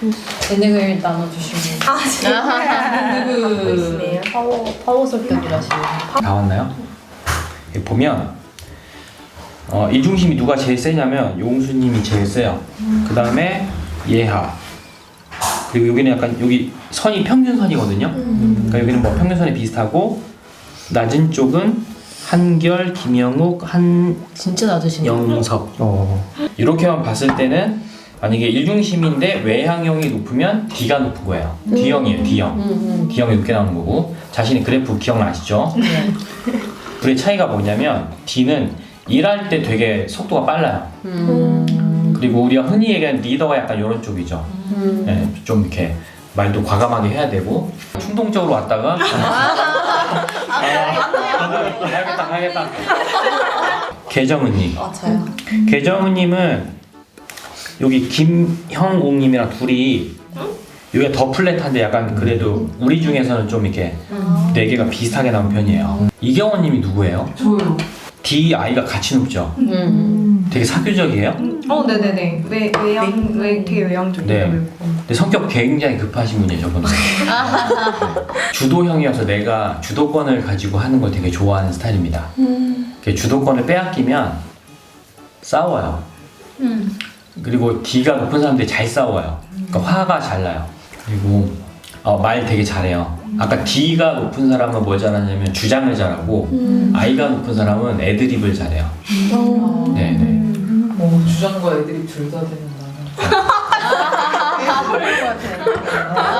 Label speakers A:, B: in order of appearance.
A: 재능을 나눠주시는
B: 있네요.
A: 파워 성격이라시네요.
C: 다 왔나요? 여기 보면 이중심이 누가 제일 세냐면 용수님이 제일 세요. 그 다음에 예하. 그리고 여기는 약간 여기 선이 평균선이거든요. 그러니까 여기는 뭐 평균선이 비슷하고 낮은 쪽은 한결, 김영욱,
A: 진짜 낮으시네요.
C: 한영섭. 이렇게만 봤을 때는 만약에 일중심인데 외향형이 높으면 D가 높은 거예요. D형이에요, D형. D형이 높게 나오는 거고 자신의 그래프 기억나시죠?
A: 네.
C: 둘의 차이가 뭐냐면 D는 일할 때 되게 속도가 빨라요. 그리고 우리가 흔히 얘기하는 리더가 약간 이런 쪽이죠. 네, 좀 이렇게 말도 과감하게 해야 되고 충동적으로 왔다가 가야겠다. 계정은님.
A: 맞아요.
C: 계정은님은 여기 김형옥님이랑 둘이 여기가 더 플랫한데 약간 그래도 우리 중에서는 좀 이렇게 네 개가 비슷하게 나온 편이에요. 이경원님이 누구예요?
B: 저요.
C: D, I가 같이 높죠? 되게 사교적이에요?
B: 네네네. 되게 외향적이에요.
C: 네. 근데 성격 굉장히 급하신 분이에요, 저분은. 주도형이어서 내가 주도권을 가지고 하는 걸 되게 좋아하는 스타일입니다. 주도권을 빼앗기면 싸워요. 그리고 D가 높은 사람들이 잘 싸워요. 그러니까 화가 잘 나요. 그리고 말 되게 잘해요. 아까 D가 높은 사람은 뭐 잘하냐면 주장을 잘하고 I가 높은 사람은 애드립을 잘해요. 네네.
D: 주장과 애들이 둘 다 되는 나는.
A: 그럴 것 같아요.